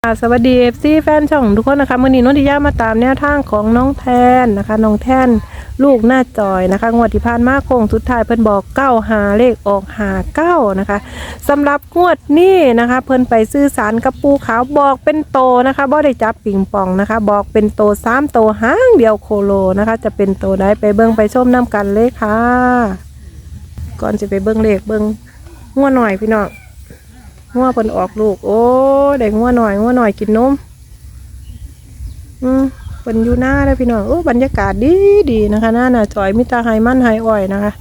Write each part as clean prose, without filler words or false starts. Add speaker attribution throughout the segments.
Speaker 1: สวัสดีFCแฟนช่องทุกคนนะคะมื่อนี้นนทิยามาตามแนวทางของน้องแทนนะคะน้องแทนลูกหน้าจอยนะคะงวดที่ผ่านมาโค้งสุดท้ายเพิ่นบอก95เลขออก59นะคะสำหรับงวดนี้นะคะเพิ่นไปซื้อสารกับปูขาวบอกเป็นโตนะคะบ่ได้จับปิงปองนะคะบอกเป็นโต3โตหางเดียวโคโลนะคะจะเป็นโตได้ไปเบิ่งไปชมน้ำกันเลยค่ะก่อนจะไปเบิ่งเลขเบิ่งงัวหน่อยพี่น้องงัวเพิ่นออกลูกโอ้ได้งัวหน่อยกินนมเพิ่นอยู่หน้าเลยพี่น้องโอ้บรรยากาศดีนะคะหน้าน่ะจอยมิตาไฮมันไฮอ้อยนะคะ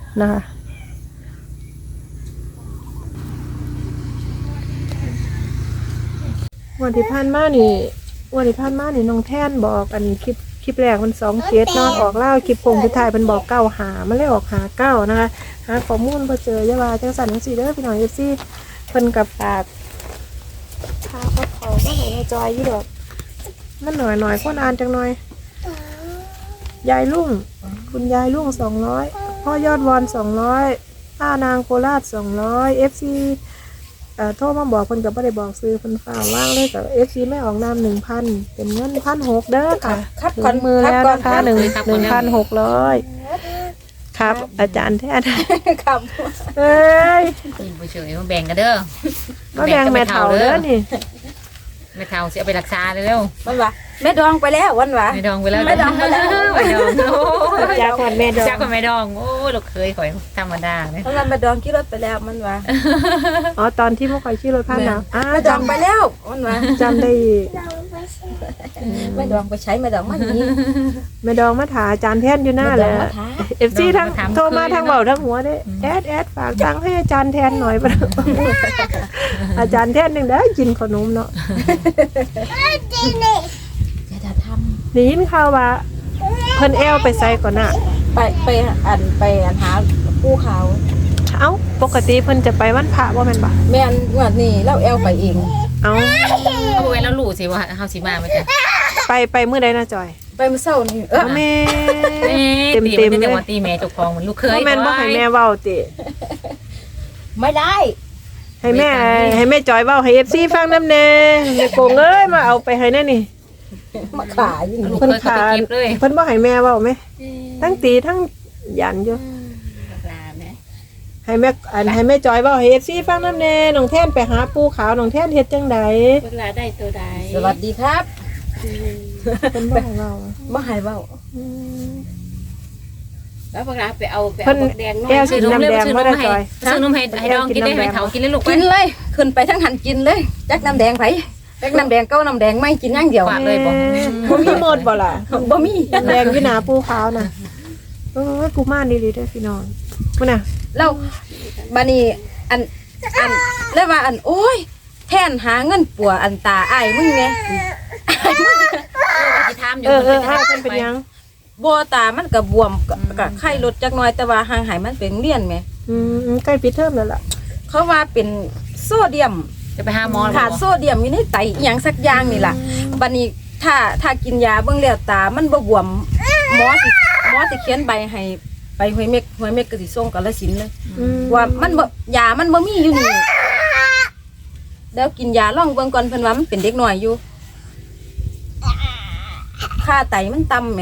Speaker 1: วันที่ผ่านมานี่น้องแท่นบอกอันคลิปแรกมัน2 เคสนอนออกเล่าคลิปโคงสุดท้ายเพิ่นบอก9หามันเลยออกหา9นะคะหาข้อมูลบ่เจอยาว่าจังสั่นจังซี่เด้อพี่น้อง FCเพิ่นกับฝากพาเขามาให้ในจอยยี่ดอกมันหน่อยคนอ่านจังหน่อยยายลุงคุณยายลุง200พ่อยอดวอน200ป้านางโคราช200 FC โทรมาบอกเพิ่นก็บ่ได้บอกซื้อเพิ่นฝากว่างเลยกับ FC ไม่ออกนาม 1,000 เป็นเงิน 1,600 เด้อค่ะถึงมือแล้วนะคะ 1,600 ครับอาจารย์แท้
Speaker 2: ครับ
Speaker 1: เอ้ย
Speaker 3: ไปเฉยมาแบ่งกันเด้อ
Speaker 1: มาแบ่งแม่เฒ่าเด้อนี่
Speaker 3: แม่เฒ่าสิเอาไปรักษาเร็ว
Speaker 2: วันวะแม่ดองไปแล้ววันวะ
Speaker 3: แม่ดองไปแล้ว
Speaker 2: แม่ดองไปแล้ว
Speaker 3: แม่ดอง
Speaker 1: จากคนแม่ดอง
Speaker 3: จากคนแม่ดองโอ้ลูกเคยข่อยธรรมดาเลย
Speaker 2: วันแม่ดองขี่รถไปแล้วมันวะ
Speaker 1: อ๋อตอนที่เมื่อก่อนขี่รถผ่านนะ
Speaker 2: แม่ดองไปแล้ววันวะ
Speaker 1: จำได้
Speaker 2: แม่ดองไปใช้แม่ดองมันนี้
Speaker 1: แม่ดองมาถาอาจารย์แท่นอยู่หน้าแหละFC ทั้งโทรมาทั้งเบาทั้งหัวได้แอดฝากตังค์ให้อาจารย์แทนหน่อยป่ะอาจารย์แทนนึงได้กินขนมเนาะ
Speaker 2: จะท
Speaker 1: ำได้ยินข่าวว่าเพิ่นแอลไปใส่ก่อนน่ะ
Speaker 2: ไปหาผู้เขา
Speaker 1: เอ้าปกติเพิ่นจะไปวันพระว่าแม่นบ่
Speaker 2: แม่นงวดนี้เราแอลไปเอง
Speaker 1: เอ้า
Speaker 3: เว้ยแล้วรู้สิว่าเฮาสิมามั้ยจ๊ะ
Speaker 1: ไปมื้อใดนะจอย
Speaker 2: ไปมื้อเช้านี่
Speaker 1: แม่
Speaker 3: เต็มเลยว่าตีแม่เจ้าของมันลูกเคย
Speaker 1: แม่นบ่ให้แม่เว้าติ
Speaker 2: ไม่ได้
Speaker 1: ให้แม่จอยเว้าให้ FC ฟังนำแน่แม่โกงเอ้ยมาเอาไปให้แน่นี่
Speaker 2: มาขาย
Speaker 1: เพิ่นขาเพิ่นบ่ให้แม่เว้ามั้ยทั้งตีทั้งยันอยู่ให้แม่จอยเว้าให้ FC ฟังนำแน่น้องแท่นไปหาปูขาวน้องแท่นเฮ็ดจังได๋
Speaker 4: เวลาได้ตัวใด
Speaker 2: สวัสดีครับ
Speaker 1: เพิ่นบ่ให้เว้า
Speaker 2: บ่ให้เว้า
Speaker 4: แล้วพวกเราไปเอาแดงน้อย
Speaker 1: ซื้อนมแดงบ่ได้จอย
Speaker 3: ซื้อนมให้ดองกินได้ให้เฒ่ากินเลยลูก
Speaker 2: กินเลยขึ้นไปทั้งหันกินเลยจักน้ำแดงไผจักน้ำแดงเก้าน้ำแดงไม่กินอย่างเดียว
Speaker 3: เลยบ่
Speaker 1: มีหมดบ่ล่ะ
Speaker 2: บ่มี
Speaker 1: แดงอยู่หน้าปูขาวน่ะกูมานดีๆเด้อพี่น้องพุ่นน่ะ
Speaker 2: แล้วบัดนี้อันแล้วว่าโอ้ยแทนหาเงินปัวอันตาอ้ายมึงแหน่
Speaker 3: สิถามอยู่
Speaker 1: เพิ่นเป็นหยัง
Speaker 2: บ่ตามันก็บวมก็ไข้ลดจักหน่อยแต่ว่าห่างหายมันเป็นเรียนแหม
Speaker 1: ใกล้ปิดเทอมแล้วล่ะ
Speaker 2: เขาว่าเป็นโซเดียม
Speaker 3: จะไปหาหมอ
Speaker 2: ขาดโซเดียมอยู่ในไตอีหยังสักอย่างนี่ล่ะบัดนี้ถ้ากินยาเบิ่งแล้วตามันบ่บวมหมอสิเขียนใบให้ไปห้วยเม็กก็สิส่งกาฬสินธุ์เลยว่ามันบ่ยามันบ่มีอยู่นี่แล้วกินยาลองเบิ่งก่อนเพิ่นว่ามันเป็นเด็กน้อยอยู่ค่าไตมันต่ำแหม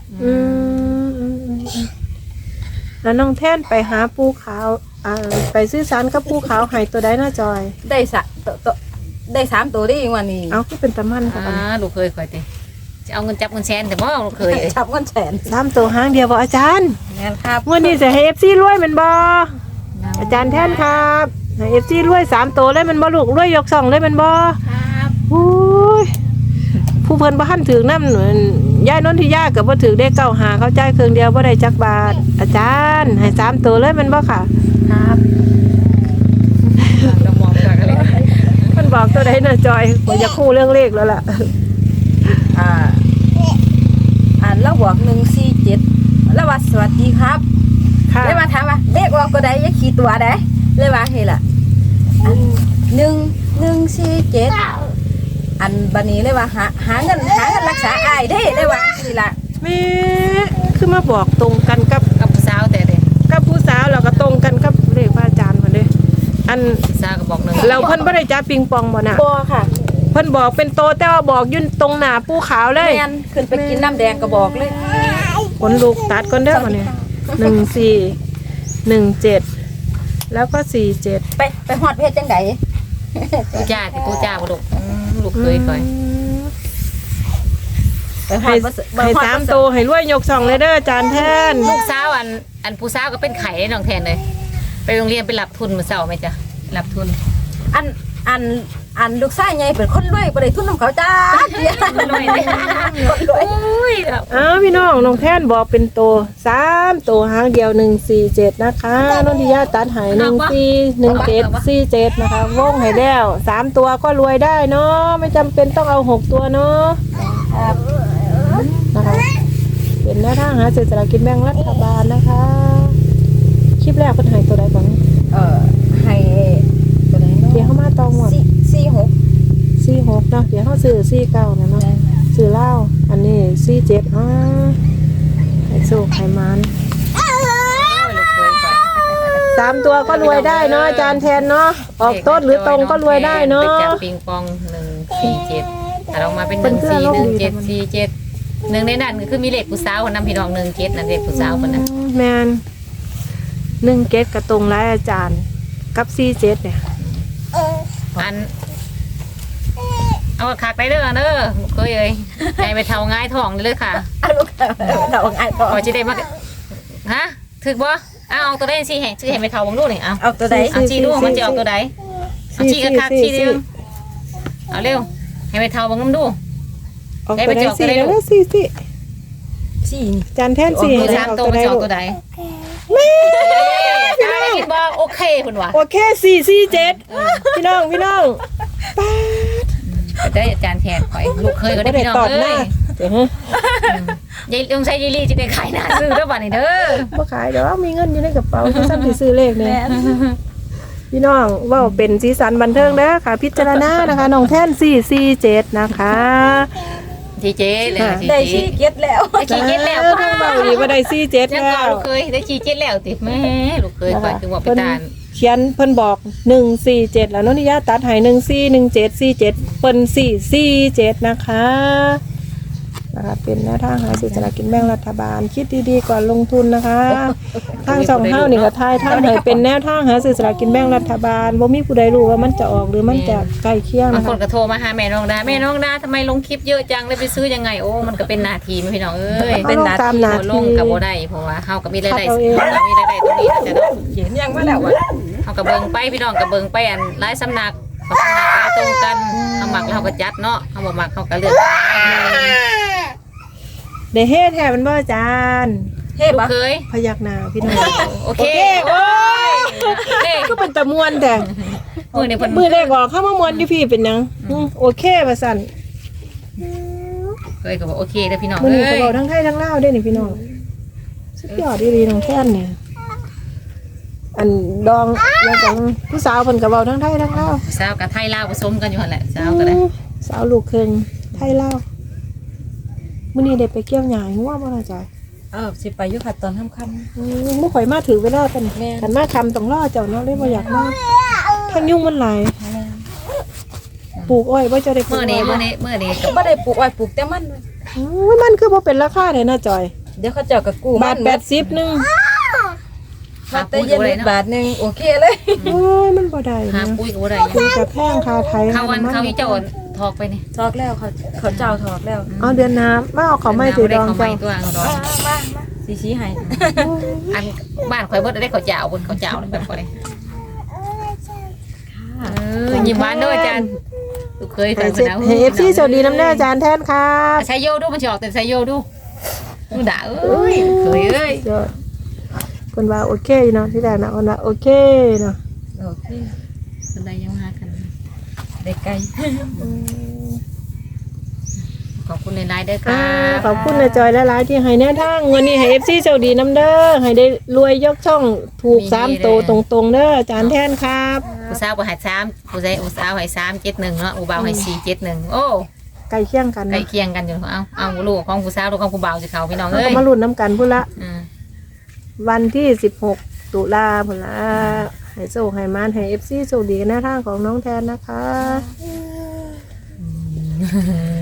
Speaker 1: แล้วน้องแท่นไปหาปูขาวไปซื้อสารกับปูขาวให้ตัวใดน่าจอย
Speaker 2: ได้3ตัวได้อีกวันนี้
Speaker 1: เอาคือเป็นตะมันค่ะ
Speaker 3: ลูกเคยข่อยติจะเอาเงินจับเงินแสนแต่บ่ลูกเคย
Speaker 2: จับเงินแสน
Speaker 1: 3ตัวหางเดียวบ่อาจารย์
Speaker 2: แม่นครับ
Speaker 1: งวดนี้สิให้ FC รวยแม่นบ่อาจารย์แท่นครับให้ FC รวย3ตัวเลยแม่นบ่ลูกรวยยก2เลยแม่นบ่
Speaker 4: ครับ
Speaker 1: โอ้ยผู้เพิ่นบ่ทันถึงนำยายนนทิยาก็บ่ถึงได้95เขาจ่ายครึ่งเดียวบ่ได้จักบาทอาจารย์ให้3ตัวเลยแม่นบ่ค่ะ
Speaker 2: ครับ
Speaker 3: เรามองจากอะไร
Speaker 1: เพิ่นบอกตัวใดน่ะจอยบ่อยากฮู้เรื่องเลขแล้วล่ะ
Speaker 2: แล้วบอก147แล้วว่าสวัสดีครับเลยมาถามว่าเลขออกก็ได้อย่าขี้ตัวได้เลยว่าเฮ้ล่ะ147บัดนี้เลยว่าหาเงินรักษาอ้ายได้เลยว่าสิล่ะ
Speaker 1: แม่คือมาบอกตรงกันกับ
Speaker 3: ผู้สาวแต่
Speaker 1: กับผู้สาวแล้วก็ตรงกันกับเลขพระอาจารย์เพิ่นเด้ผู้
Speaker 3: สาวก็บอก1
Speaker 1: เราเพิ่นบ่ได้จับปิงปองบ่น่ะ
Speaker 2: บ่ค่ะ
Speaker 1: เพิ่นบอกเป็นโตแต่ว่าบอกยื่นตรงหน้าปูขาวเลย
Speaker 2: แม่นขึ้นไปกินน้ำแดงก็บอกเลย
Speaker 1: ขนลูกตัดก่อนเด้อมาเนี่ย14 17แล้วก็47
Speaker 2: ไปฮอดเพชรจังได
Speaker 3: ปูจ้าที่ปูจ้าบ่ลูกลูกเคยคอย
Speaker 2: ไปฮอ
Speaker 1: ให้
Speaker 2: ดบ่
Speaker 1: ให้3โตให้รวยยก2เลยเด้อจานแทน
Speaker 3: ลูกสาวอันผู้สาวก็เป็นไข่น้องแทนเลย ไปโรงเรียนไปรับทุนมื้อเช้าไหมจ๊ะรับทุน
Speaker 2: อันลูกชายใหญ่เป็นคนรวยบ่ได้ทุนนำเขาจ้าเดียว
Speaker 3: รวยเลยอุ้ยครับ
Speaker 1: อ้าวพี่น้องน้องแทนบอกเป็นโต3โตหางเดียว147นะคะนนทิยาตัดใหาย141747นะคะวงให้แล้ว3ตัวก็รวยได้เนาะไม่จำเป็นต้องเอา6ตัวเนาะนะคะเป็นแนวทางหาซื้อสลากกินแบ่งรัฐบาลนะคะคลิปแรกเพิ่นให้ตัวใดก่อน
Speaker 2: ให้ตัวไหนเนาะ
Speaker 1: เดี๋ยวเข้ามาตองหมด
Speaker 2: 46
Speaker 1: 46เนาะเดี๋ยวเขาซื้อ49นะเนาะซื้อเหล้าอันนี้47ให้โชคให้มัน
Speaker 3: ลูกเคยคอย
Speaker 1: 3ตัวก็รวยได้เนาะอาจารย์แทนเนาะออกต้นหรือตรงก็รวยได้เนาะ
Speaker 3: ไปจับปิงปอง147แต่เรามาเป็น141747หนึ่งในนั้นก็คือมีเลขผู้สาวคนนำพี่น้อง17นั่นเลขผู้สาวคนนั้น
Speaker 1: แมน1เกตกระตรงไรอาจารย์กับ47เนี่ย
Speaker 3: อันเอาคักได้เด้อเด้อเคยเอ้ยใจไปเท่าง่ายท้องเลยค่ะ
Speaker 2: ลูกเราง่ายพอ
Speaker 3: พอจะได้มาฮะถึกบ่เอาตัวใดสิให้ชื่อให้ไปเท่าบังดูนี่เอา
Speaker 2: เอาตัวใด
Speaker 3: เอาชี้ดูมันจะออกตัวใดเอาชี้คักชี้เดียวเอาเร็วให้ไปเท่าบังน้ำดู
Speaker 1: ออกตัวได้4แล้ว4
Speaker 2: สี่นี่
Speaker 1: อาจารย์แทน4
Speaker 3: มือ
Speaker 1: ให้
Speaker 3: 3
Speaker 1: ออก
Speaker 3: ตัว
Speaker 1: ตัว
Speaker 3: มัน
Speaker 1: ได้
Speaker 3: จะออ
Speaker 1: ลู
Speaker 3: ก
Speaker 1: ก
Speaker 3: ตัวใด
Speaker 1: แม่
Speaker 3: กินบ่โอเคคุณวะ
Speaker 1: โอเค447พี่น้องป๊าด
Speaker 3: ได้อาจารย์แทนข่อยลูกเคยก็ได้
Speaker 1: บ่ได้
Speaker 3: พี่น้อง
Speaker 1: ตอบห
Speaker 3: เอ้
Speaker 1: น้าย เดี๋ยวฮะ
Speaker 3: ยายต้องใช้ยีรี่จะได้ขายหน้าซื้อแล้วบัดนี้เด้อ
Speaker 1: บ่ขายเดี๋ยวมีเงินอยู่ในกระเป๋าซ้ำสิซื้อเลขเนี่ย พี่น้องเว่าเป็นสีสันบันเทิงเด้อค่ะ พิจารณานะคะน้องแท่น447นะคะ
Speaker 3: จีเจเลย
Speaker 2: ได้ชี้เก็ดแล้ว
Speaker 3: ได้ชีเจ็ดแล้ว
Speaker 1: เพิ่งเบาดีว่าได้47
Speaker 3: ยัง
Speaker 1: แล้
Speaker 3: ก่อน
Speaker 1: ว
Speaker 3: ลูกเคยได้ชีเจ็ดแล้วติแม่ลูกเคยข่อยคือว่าไปตาน
Speaker 1: เขียนเพิ่นบอก147แล้วโนนิยาตัดให้141747เพิ่น447นะคะเป็นแนวทางหาซื้อสลากกินแบ่งรัฐบาลคิดดีๆก่อนลงทุนนะคะทางช่องเฮานี่ก็ทายทางให้เป็นแนวทางหาซื้อสลากกินแบ่งรัฐบาลบ่มีผู้ใดรู้ว่ามันจะออกหรือมันจะใกล้เคียง
Speaker 3: บาง
Speaker 1: นะ
Speaker 3: คน
Speaker 1: คะ
Speaker 3: ก็โทรมาหาแม่น้องดาแม่น้องดาทำไมลงคลิปเยอะจังเลยไปซื้อยังไงโอ้มันก็เป็นหน้าที่พี่น้องเอ้ย
Speaker 1: เป็นตามหน้า
Speaker 3: ล
Speaker 1: ที่
Speaker 3: งกับบ่ได้เพราะว่าเฮาก็มีรายได้
Speaker 1: คัดเอาเอง
Speaker 3: เรามีรายได้ตรงนี้จะได้
Speaker 2: เขียนยังมาแล้วอ่ะ
Speaker 3: เฮาก็เบิ่งไปพี่น้องก็เบิ่งไปอันหลายสำนักสำนักหลายตรงกันเฮามักแล้วเฮาก็จัดเนาะเฮาบ่มักเฮาก็เลือก
Speaker 1: ได้เฮ็ดแท้มันบ่อาจารย์
Speaker 2: เฮ้
Speaker 3: ลูก
Speaker 2: บ่
Speaker 3: เคย
Speaker 1: พยักหน้าพี่น้อง
Speaker 3: โอเค
Speaker 1: โอ้ย
Speaker 3: เด้
Speaker 1: ก็เป็นตะมวนแต่
Speaker 3: มื้อนี้เพิ่น
Speaker 1: มือแรกออกเข้ามามวนอยู่พี่เป็นหยังโอเคว่าซั่น
Speaker 3: เคยก็บอกโอเคเด้อพี่น้อง
Speaker 1: มื้อ
Speaker 3: เอ้
Speaker 1: นี้ก็
Speaker 3: ย
Speaker 1: เว้าทั้งไทยทั้งลาวเด้นี่พี่น้องสุดยอดดีๆน้องแท่นเนี่ยอันดองแล้วก็ผู้สาวเพิ่นก็เว้าทั้งไทยทั้งลาว
Speaker 3: สาวกับไทยลาวผสมกันอยู่หั่นแหละสาวก็ได้
Speaker 1: สาวลูกครึ่งไทยลาวมื้อนี้ได้ไปเกี่ยวหญ้าให้งัวบ่ล่ะจ้ะ
Speaker 2: สิไปอยู่ค่ะตอนค่ำ
Speaker 1: บ่ข่อยมาถือเวลากันกันมาคำต้องรอเจ้าเนาะเลยบ่อยากมาทั้งยุ่งมันหลายปลูกอ้อยบ่เจ้าได้ปลูก
Speaker 3: มื้อ
Speaker 1: อ้
Speaker 3: นี้
Speaker 1: อย
Speaker 3: มื้
Speaker 1: บ่
Speaker 3: อนี้มื้อนี้
Speaker 2: ๆก็บ่ได้ปลูกอ้อยปลูกแต่มัน
Speaker 1: มันคือบ่เป็นราคาเลยนะจอย
Speaker 2: เดี๋ยวเขาเจ้าก็กู้
Speaker 1: บาท80นึง
Speaker 2: มาแต่เย็นนิดบาทนึงโอเคเลย
Speaker 1: โอ้ยมันบ่ได้
Speaker 3: หา
Speaker 1: นะ
Speaker 3: ปุ๋ยก็บ่ได้
Speaker 1: มันจะแพงค่าไทย
Speaker 3: เขาวันเขาอีเจ้าทอกไปนี่
Speaker 2: ถอกแล้วเขาเจ้าถอกแล้ว
Speaker 1: เอาเดือนน้ำมาเอาเขาไม่ถือดอง
Speaker 3: เขาไม่
Speaker 1: เจ้า
Speaker 3: ตัวเอาดอง
Speaker 2: มาสีชี้ให้
Speaker 3: อันบ้านข่อยเบิดได้เขาเจ้าบนเขาเจ้าแบบข่อยยิ้มหวานด้วยอาจารย์ลูกเคย
Speaker 1: ให้
Speaker 3: ทำ
Speaker 1: เอฟซีสวัสดีน้ำแน่อาจารย์แทนครับ
Speaker 3: ใช้โยดูมันจะออกแต่ใช้โยดูดูด่าเอ้ยเคยเอ้ย
Speaker 1: ยอดคนว่าโอเคเนาะที่แรกนะคนว่าโอเคเนาะ
Speaker 2: โอเค
Speaker 3: คนใดยังหากัน
Speaker 2: ได้ไกล
Speaker 3: ขอบคุณในไลน์ด้วยค่ะ
Speaker 1: ขอบคุณนะจอยและหลายที่ให้แนวทางวันนี้ให้เอฟซีสวัสดีน้ำเด้อให้ได้รวยยกช่องถูก3 ตัวตรงๆเด้ออาจารย์แทนครับ
Speaker 3: ผู้สาวบ่ให้3ผู้ชายผู้สาวให้371เนาะผู้บ่าวให้471โอ้
Speaker 1: ใกล้เคียงกัน
Speaker 3: ใกล้
Speaker 1: นะ
Speaker 3: เคียงกันอยู่เอาลูกของผู้สาวลูกของผู้บ่าวสิเขาพี่น้อง
Speaker 1: เรา
Speaker 3: เอ้
Speaker 1: ก็
Speaker 3: ย
Speaker 1: มาลุ้นน้ำกันพุ่นละ
Speaker 3: อืม
Speaker 1: วันที่16 ตุลาพุ่นละให้โชคให้มานให้เอฟซีโชคดีกันหน้าทางของน้องแทนนะคะ
Speaker 3: น